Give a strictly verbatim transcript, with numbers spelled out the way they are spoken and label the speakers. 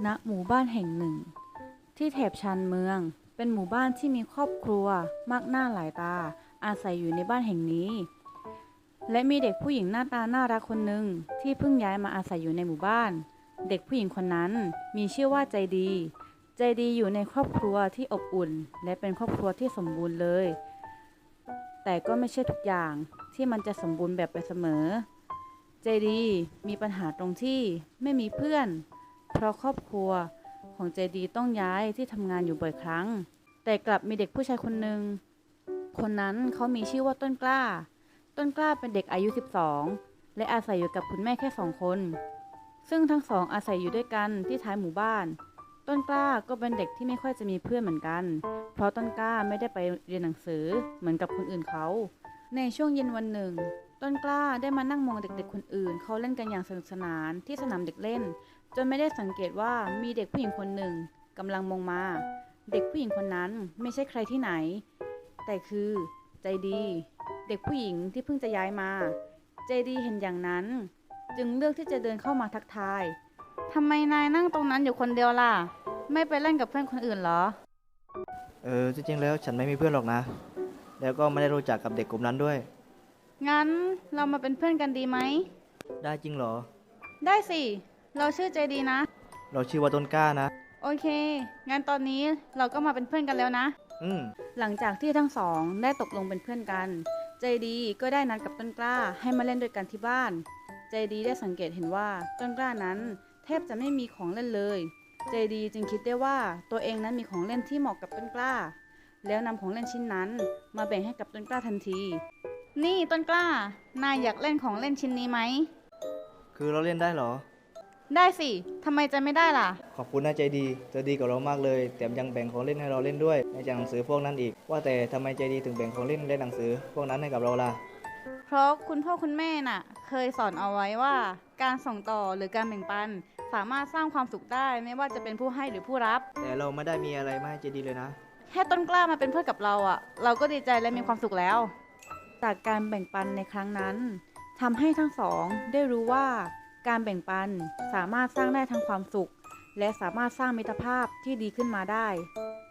Speaker 1: ณหมู่บ้านแห่งหนึ่งที่แถบชานเมืองเป็นหมู่บ้านที่มีครอบครัวมากหน้าหลายตาอาศัยอยู่ในบ้านแห่งนี้และมีเด็กผู้หญิงหน้าตาน่ารักคนหนึ่งที่เพิ่งย้ายมาอาศัยอยู่ในหมู่บ้านเด็กผู้หญิงคนนั้นมีชื่อว่าใจดีใจดีอยู่ในครอบครัวที่อบอุ่นและเป็นครอบครัวที่สมบูรณ์เลยแต่ก็ไม่ใช่ทุกอย่างที่มันจะสมบูรณ์แบบไปเสมอใจดีมีปัญหาตรงที่ไม่มีเพื่อนเพราะครอบครัวของใจดีต้องย้ายที่ทำงานอยู่บ่อยครั้งแต่กลับมีเด็กผู้ชายคนหนึ่งคนนั้นเขามีชื่อว่าต้นกล้าต้นกล้าเป็นเด็กอายุสิบสองและอาศัยอยู่กับคุณแม่แค่สองคนซึ่งทั้งสองอาศัยอยู่ด้วยกันที่ท้ายหมู่บ้านต้นกล้าก็เป็นเด็กที่ไม่ค่อยจะมีเพื่อนเหมือนกันเพราะต้นกล้าไม่ได้ไปเรียนหนังสือเหมือนกับคนอื่นเขาในช่วงเย็นวันหนึ่งต้นกล้าได้มานั่งมองเด็กๆคนอื่นเขาเล่นกันอย่างสนุกสนานที่สนามเด็กเล่นจนไม่ได้สังเกตว่ามีเด็กผู้หญิงคนหนึ่งกำลังมองมาเด็กผู้หญิงคนนั้นไม่ใช่ใครที่ไหนแต่คือใจดีเด็กผู้หญิงที่เพิ่งจะย้ายมาใจดีเห็นอย่างนั้นจึงเลือกที่จะเดินเข้ามาทักทายทำไมนายนั่งตรงนั้นอยู่คนเดียวล่ะไม่ไปเล่นกับเพื่อนคนอื่นเหรอ
Speaker 2: เออจริงๆแล้วฉันไม่มีเพื่อนหรอกนะแล้วก็ไม่ได้รู้จักกับเด็กกลุ่มนั้นด้วย
Speaker 1: งั้นเรามาเป็นเพื่อนกันดีไหม
Speaker 2: ได้จริงเหรอ
Speaker 1: ได้สิเราชื่อใจดีนะ
Speaker 2: เราชื่อว่าต้นกล้านะ
Speaker 1: โอเคงั้นตอนนี้เราก็มาเป็นเพื่อนกันแล้วนะ
Speaker 2: อืม
Speaker 1: หลังจากที่ทั้งสองได้ตกลงเป็นเพื่อนกันใจดีก็ได้นัดกับต้นกล้าให้มาเล่นด้วยกันที่บ้านใจดีได้สังเกตเห็นว่าต้นกล้านั้นแทบจะไม่มีของเล่นเลยใจดีจึงคิดได้ว่าตัวเองนั้นมีของเล่นที่เหมาะกับต้นกล้าแล้วนำของเล่นชิ้นนั้นมาแบ่งให้กับต้นกล้าทันทีนี่ต้นกล้านายอยากเล่นของเล่นชิ้นนี้ไหม
Speaker 2: คือเราเล่นได้เหรอ
Speaker 1: ได้สิทำไมจะไม่ได้ล่ะ
Speaker 2: ขอบคุณนะใจดีเธอดีกับเรามากเลยแถมยังแบ่งของเล่นให้เราเล่นด้วยในจากหนังสือพวกนั้นอีกว่าแต่ทำไมใจดีถึงแบ่งของเล่นและหนังสือพวกนั้นให้กับเราล่ะ
Speaker 1: เพราะคุณพ่อคุณแม่น่ะเคยสอนเอาไว้ว่าการส่งต่อหรือการแบ่งปันสามารถสร้างความสุขได้ไม่ว่าจะเป็นผู้ให้หรือผู้รับ
Speaker 2: แต่เราไม่ได้มีอะไรมาให้ใจดีเลยนะ
Speaker 1: แค่ต้นกล้ามาเป็นเพื่อนกับเราอ่ะเราก็ดีใจและมีความสุขแล้วจากการแบ่งปันในครั้งนั้นทำให้ทั้งสองได้รู้ว่าการแบ่งปันสามารถสร้างได้ทั้งความสุขและสามารถสร้างมิตรภาพที่ดีขึ้นมาได้